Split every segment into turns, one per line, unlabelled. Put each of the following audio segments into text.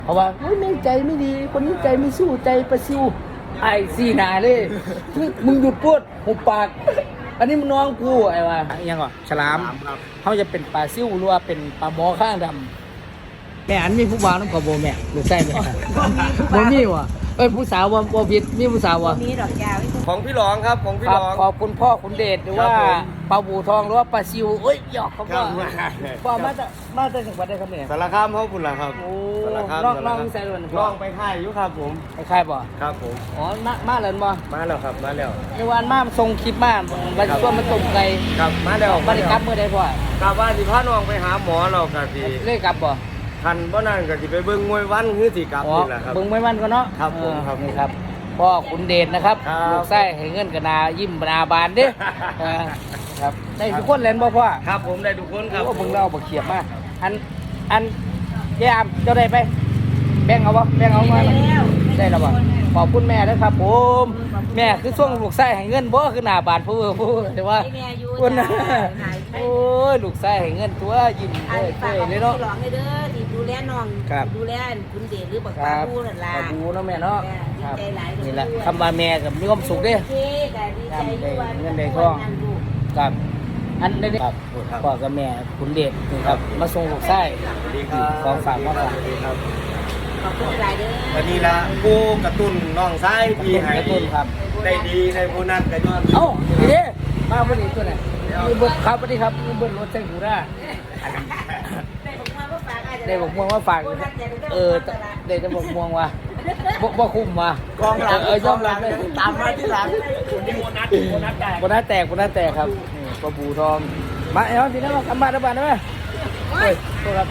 เพราะว่าแม่งใจไม่ดีคนนี้ใจไม่สู้ใจประซิวไอ้ซีหนาเลยมึงหยุดพูดหุบปากอันนี้มึงน้องกูไอ้ว่ายังก่อนฉลามเขาจะเป็นปลาซิวหรือว่าเป็นปลาหมอข้างดำแม่อันมีผู้บ่าวน้ำขบแม่หรือใช่ไหมโมมี่วะผู้สาวว่าผิดมีผู้สาววะ
มีดอกยาว
ของพี่หลองครับของพี่
ค
ห
รั
ล
บ
อง
ขอบคุณพ่อคุณเดชหรือว่าปลาบูทองหรือว่าปลาซิวหยอกเขาก็พ่อมาจากจังหวัดใดครับเนี่ย
สารคามเขาคุณล่ะครับ
โอ้
สารคาม
น้องใส่ล้วน
น้องไปค่ายอยู่ครับผม
ใครบ่
ครับผม
อ๋อมาเลยบ่
มาแล้วครับมาแล้ว
ในวันมาส่งคลิปมาวันช่วงมันตรงไกล
ครับมาแล้ว
บริกรรมเมื่อใดพ่อก
ลับว่าสิพาน้องไปหาหมอเรากะสิ
เลขกลับบ่
ทันบ่นั่นก็สิไปเบิ่งมวยวันคือสิกลับ
อ๋อ
นี่แหละครับ
เบิ่งไม่มันก็เนาะ
ครับผมครับ
นี่ครับพ่อขุนเดชนะครับ
ครับ
ลูกไส้ให้เงินกันนายิ้มนาบานเด้เออครับได้ทุกคนเล่นบ่พ่อ
ครับผมได้ทุกคนครับ
โอ้เบิ่งเราบ่เขียบมาอันยามเจ้าได้ไปแบ่งเอาบ่แบ่งเอามาได้แล้วบ่ขอบคุณแม่ด้วยครับผมแม่คือช่วงลูกไส้ให้เงินบ่คือหน้าบานผู้แต่ว่า
แม่อยู่
คน
จ้า
โอ้ยลูกไส้ให้เงินตัวยิ้ม
อัน
เอ้ย
ฝาก
เลย
ขอ
เนาะ
งพี่หลองเลยเด้อที่ดูแลน้อง
ครับ
ดูแลคุณเดชหรือบัก
ค
ปลา
รับ
บูนั่นล่ะ
ปลาบูเนาะแม่เนาะ
ดี
ครับ
ใจหลายเลย
นี่แหละคำว่าแม่กับมีความสุขเด้
โอเคก็ดีใจอยู่ว่า
เงินได้ทอง
นั่นลูก
ครับอันนี้ครับพ่อกับแม่คุณเดชนี่ครับมาส่งลูกไส้
สวัสดีครับ
ของฝากมาฝาก
สวัสดีครับ
ขอบคุณหลายเด้อ
วันนี้ละผู้กระตุ้นน้องซ้ายที่ให้
กระตุ้นครับ
ได้ดีได้ผู้นั้นก็ยอด
เอ้าดีเด้มาพอดีตัวไหนมีเบิร์ครับสวัสดีครับมีเบิร์รถแซงหูด้า
ได้ผมมาว่าฝากอาจจะ
ได้บอกม่วงว่าฝากได้จะบอกม่วงว่าบ่คุ้มว่ะ
กองหลัง
ยอมรับเลย
ตามมาที่หลังคุณนี่โบนัสแตก
โบนัสแตกครับนี่ปลาบูทองมาไอ้น้องทีนั้นมากำบ้านได้บ้านได้ไหมเฮ้ยโทษครับ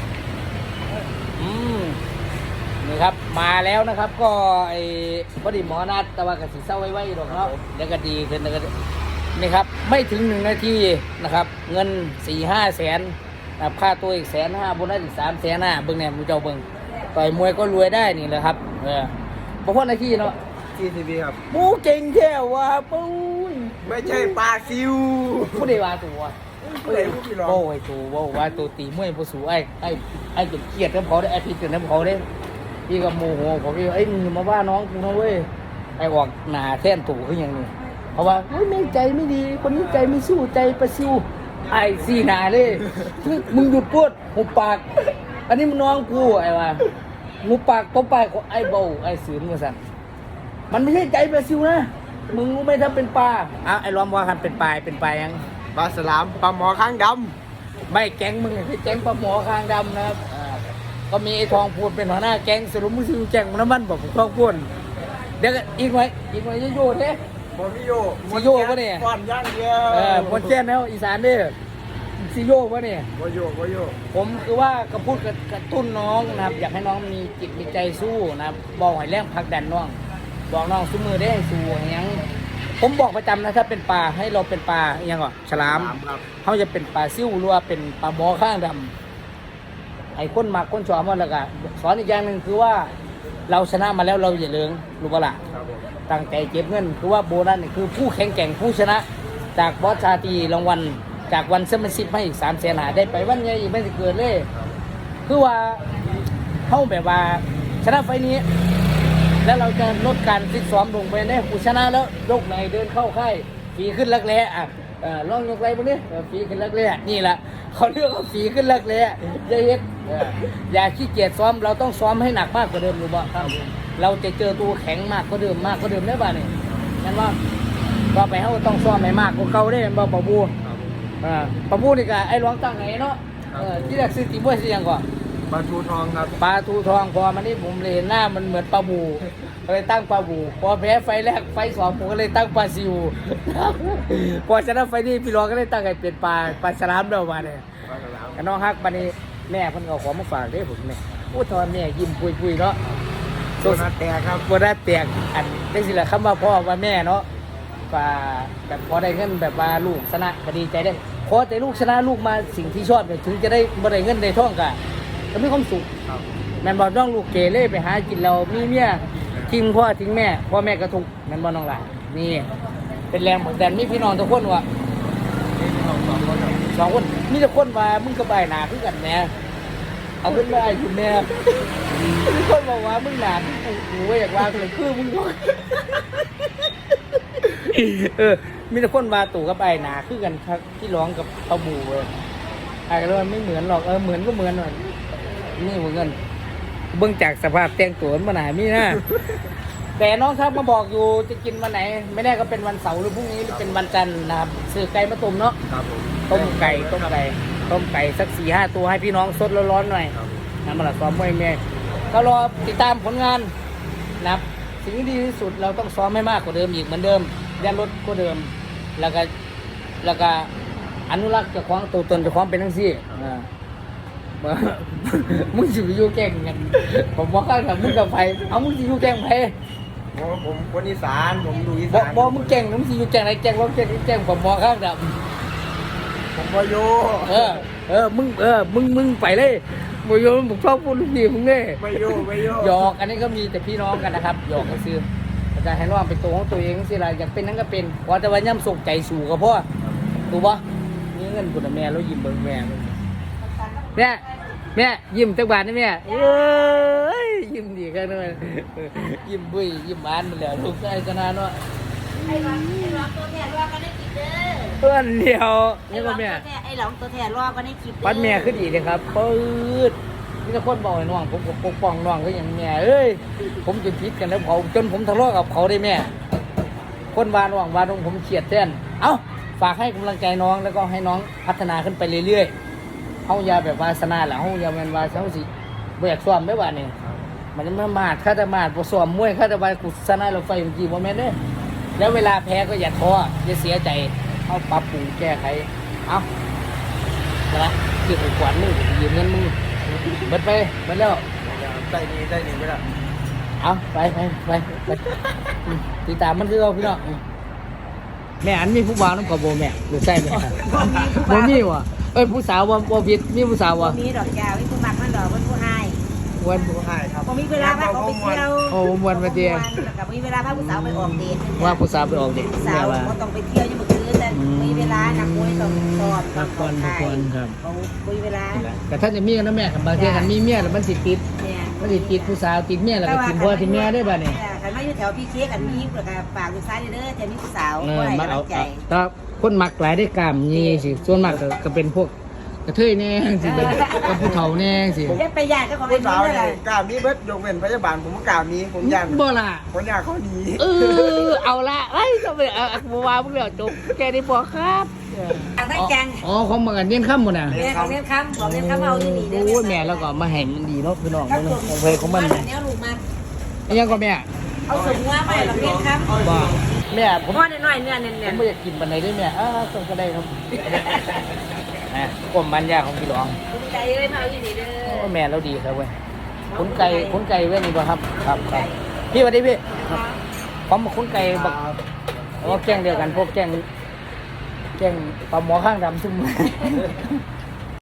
นี่ครับมาแล้วนะครับก็ไอ้พอดีหมอนัดแต่ว่ากระสีเศร้าไว้ๆหรอกเนาะเดี๋ยวก็ดีขึ้นแล้วก็นี่ครับไม่ถึง1 นาทีนะครับเงิน 4-5 แสนนะครับค่าตัวอีก150,000โบนัสอีก350,000เบิ่งแหนมมูเจ้าเบิ่งต่อยมวยก็รวยได้นี่แหละครับเพราะนาทีเนาะ
TTV ครับ
ปูเก่งแค่ว่าปูน
ไม่ใช่ปลาซิว
ผู้ใดว่าตัว
ผู้ใดผู้พี่รอง
โอ้ยตัวว่าตัวตีมวยผู้สูไอ้จนเครียดน้ำเขาได้ไอ้พี่จนน้ำเขาได้พี่ก็โมโหผมพี่มึงมาว่าน้องกูนะเว้ยไอ้ออกหนาแท่นตู่ขึ้นอย่างนี้เพราะว่าแม่งใจไม่ดีคนนี้ใจไม่สู้ใจประซิวไอ้ซีหนาเลยมึงหยุดพูดหุบปากอันนี้มึงน้องกูไอ้ว่าหุบปากตบปากไอ้เบาไอ้สืนมาสั่นมันไม่ใช่ใจประซิวนะมึงรู้ไหมถ้าเป็นปลาไอ้ล้อมว่าคันเป็นปลายัง
ปลาสลามปลาหมอข้างด
ไม่แก๊งมึงคือแก๊งปลาหมอคางดำนะครับก็มีไอ้ทองพูนเป็นหัวหน้าแก๊งสรุปมึงซื้อแก๊งน้ำมันบอกทองพูนเดี๋ยวอีกหน่อยโยเด้
ำบอมิโย
สิโยปะเนี่ย
ก่อนย่างเดียว
มนแจ้นแล้วอีสานเด้อซิโยปะเนี่ย
บโยบโย
ผมคือว่ากระพูดกระตุ้นน้องนะครับอยากให้น้องมีจิตมีใจสู้นะครับบอกให้แรงผลักดันน้องบอกน้องสู้มือได้สู้อย่างยังผมบอกประจำนะถ้าเป็นปลาให้เราเป็นปลาอย่างก่อนฉลาม
ครับ
เขาจะเป็นปลาซิ่วหรือว่าเป็นปลาหมอข้างดำไอ้คนมักคนชอบมันแล้วก็สอนอีกอย่างหนึ่งคือว่าเราชนะมาแล้วเราอย่าเลิงรู้ปะล่ะ
ครับผม
ตั้งใจเก็บเงินคือว่าโบนัสนี่คือผู้แข่งแกร่งผู้ชนะ จากบอสชาตรีรางวัลจากวันเซมซิปให้อีก300,000ได้ไปวันใหญ่อีกไม่สิเกิดเลย คือว่าเข้าแบบว่าชนะไฟล์นี้ แล้วเราจะลดการฟิตซ้อมลงไปได้ผู้ชนะแล้วยกไหนเดินเข้าค่ายฝีขึ้นรักแร้ลองยกไรพวกนี้ฝีขึ้นรักแร้นี่แหละเขาเรียกว่าฝีขึ้นรักแร้อย่าเฮ็ดอย่าขี้เกียจซ้อมเราต้องซ้อมให้หนักมากกว่าเดิมรู้ป่ะครับเราจะเจอตัวแข็งมากกว่าเดิมได้ป่ะนี่งั้นว่าก็ไปเขาต้องซ้อมให้มากกว่าเก่าได้บ่ปะบูปะบูนี่ก็ไอ้หลวงตั้งไหนเนาะที่แรกซื้อตีบ้วยซื้อยังก่อน
ปลาทูทองครับ
ปลาทูทองพอมันนี่ผมเลยเห็นหน้ามันเหมือนปลาบูก็เลยตั้งปลาบูพอแพ้ไฟแรกไฟสองผมก็เลยตั้งปลาซิว พอชนะไฟนี้พี่รองก็เลยตั้งให้เป็นปลาฉลามเดิมมาเนี่ย
ปลาสลาม
กับน้องฮักบันนี้แม่เพิ่นเอาของมาฝากเด้ผมเนี่ยโอ้ตอนแม่ยิ้มปุยๆเนาะ
โดนัทแตกครับ
โบนัสแตกอันได้สิละคำว่าพ่อว่าแม่เนาะว่าแบบพอได้เงินแบบว่าลูกชนะก็ดีใจได้ขอแต่ลูกชนะลูกมาสิ่งที่ชอบเนี่ยถึงจะได้บ่ได้เงินได้ทองก็มีความสุข
ครับ
แม่นบอกน้องลูกเกเรไปหากินเรามีเมียทิ้งพ่อทิ้งแม่พ่อแม่ก็ทุกข์แม่นบอกน้องหลานนี่เป็นแรงผลักดันมีพี่น้องทุกคนวะ
นี่เราสองคนครับ
2 คนมีแต่คนว่ามึงก็ใบหนาคือกันแหม เพราะว่าแพ้ไฟแรกไฟ2ผมก็เลยตั้งให้เป็นปลาฉลามเดิมมาเนี่ย
ปลาสลาม
ก็มีความสุข
ครับ
ครับเอาขึ้นมาไอ้คุณแม่มีคนบอกว่ามึงหนากูว่าอยากว่าเลยคือมึงมีแต่คนมาตู่กับไอ้หนาคือกันครับที่ร้องกับเอาบูเลยไอ้ก็เลยไม่เหมือนหรอกเหมือนก็เหมือนหน่อยนี่เหมือนกันเบื้องจากสภาพแต่งตัวมันหนามีนะแต่น้องครับมาบอกอยู่จะกินวันไหน ไม่แน่ก็เป็นวันเสาร์หรือพรุ่งนี้หรือเป็นวันจันทร์นะครับซื้อไก่มาต้มเนาะ
ครับผม
ต้มไก่สัก4-5 ตัวให้พี่น้องสดร้อนๆหน่อยนะมาละซ้อมมวยแม่ก็รอติดตามผลงานนะครับสิ่งที่ดีที่สุดเราต้องซ้อมให้มากกว่าเดิมอีกเหมือนเดิมยันลดก็เดิมแล้วก็อนุรักษ์เจะคว้าของตัวตนเจะคว้าของเป็นทั้งสี่มึงสิอยู่แก่งกันผมบอกข้างกับมึงกับไผเอามึงสิอยู่แก่งไผ
ผมคนอีสานผมดูอี
บอ
สาก น
บอกมึงแก่งมึงสิอยู่แก่งไหนแก่งว่าแก่งผมบอกข้างกับ
ผมก็โย
มึงไปเลยโมโยมผมชอบพูดลูกดีมึงเนี่ย
ไม่โยไม่โย
หยอกอันนี้ก็มีแต่พี่น้องกันนะครับหยอกกันซื้ออาจารย์ให้น้องเป็นตัวของตัวเองสิล่ะอยากเป็นนั่นก็เป็นว่าแต่ว่าย่ำส่งใจสู่กับพ่อถูกปะนี่เงินคุณแม่แล้วยิ้มเบิ่งแม่แม่ยิ้มจักบาทนี่แม่เอ้ยยิ้มดีกันเลยยิ้มบุ้ยยิ้มบานมันแล้วลูกชายชนะเนาะ
ไอ้หลองตัวแทนรอกันได้กินเด้อ
เพื่อนเดียวนี่ก็แม่
ไอ้หลองตัวแทนรอกันได้กินเด้อ
ปัดแม่ขึ้นอีกเลยครับปื๊ดมีแต่คนบอกให้น้องผมปกป้องน้องก็อย่างแม่เอ้ยผมจนพิษกันแล้วเขาจนผมทะเลาะกับเขาได้แม่คนวานว่างวานตรงผมเฉียดแท่นเอ้าฝากให้กำลังใจน้องแล้วก็ให้น้องพัฒนาขึ้นไปเรื่อยๆเฮาอย่าแบบวาสนาหล่ะเฮาอย่าแม่นว่าเฮาสิบ่อยากซ้อมได้ว่านี่มันมามาดค่าแต่มาดบ่ซ้อมมวยค่าแต่ว่ากุศลเราไฟเมื่อกี้บ่แม่นเด้แล้วเวลาแพ้ก็อย่าท้ออย่าเสียใจเฮาปรับปรุงแก้ไขเอ้านะคือขวัญมึงยืมเงินมึงเบิดแล้ว
ได้ดีไม่ได้
เอาไปติดตามมันคือเอาพี่น้องแม่อันมีผู้บ่าวน้ำกระโบแม่หรือใช่ไหมบ่มีวะเอ้ยผู้สาวบ่ผิดมีผู้สาววะ
มีดอกยาวมีผู้มักมันดอกมันผู้ให้
วัน
ผู้ให้ครับ
พอมีเวลาพาเขาไปเที่ยว
โอ้วันมาเดีย
แล้วก็มีเวลาพาผู้สาวไปออกเดท
ว่าผู้สาวไปออกเด็ก
ผู้สา
แม่
ว
ว่า
ก็ต้องไปเที่ยวยังบ่คืนแต่มีเวลานักมวยต้องสอบ
พักผ่อนครับ
เขามีเวลา
แต่ท่านจะมีกันนะแม่บางทีกันมีเมียแล้วมันสิติด
เนี่ย
มันสิติดผู้สาวติดเมียแล้วก็ติดพ่อติดแม่ได้ป่ะเนี่ย
คันมาอยู่แถวพี่เค้กกันมีแล้วก็ฝากลูกชายเด้อจะมีผู้สาว
มาเอา
ใจ
ถ้าคนมักหลายได้กล้ามนี่สิส่วนมากก็เป็นพวกกระเทยแน่สิกับผู้เฒ่าแน่สิ
เรียกไปญาติก็ของ
ผู้
ไอ้
สาว
นี่
เนี่
แห
ย
ละ
กล้ามนี้เบิดยกเว้นพยาบาลผมก็กล้ามนี้ผมยัน
บ่ล่ะ
ผมอยากเขาดี
เอาละเอ้ยจะไปเอาบัวพวกเราจบแกได้บอกครับ
ไม่จัง
อ๋อของมันกันเนียนค่ำหมดน่ะ
เรียกของเรียกคำของเรียกคำเอาอยู่นี่เด้
โอ้ยแม่แล้วก็มาแห่งมันดีเนาะพี่น้อง
ครับ
ของเพลของมัน
เนี้ยลูกมา
ยังก็แม่
เอาสมว่าไปหรอกเรียกคำ
บ่แม่ผม
พ่อน้อยๆเนื้อเนี
ผ
่ย
มไม่อยากกินบันไดด้วยแม่ต้องก็ได้ครับนะกลมมันยาของพี่หลวง
ภูมิใจเลยมาเอาอยู่นี่เด้
โอ้
อ
แม่เราดีครับเว้ยขุนไก่เว้ยนี่บ่ครับครับพี่สวัสดีพี่ผมขุนไก่บักแกงเดียวกันพวกแกงปลาหมอข้างดำซุ่ม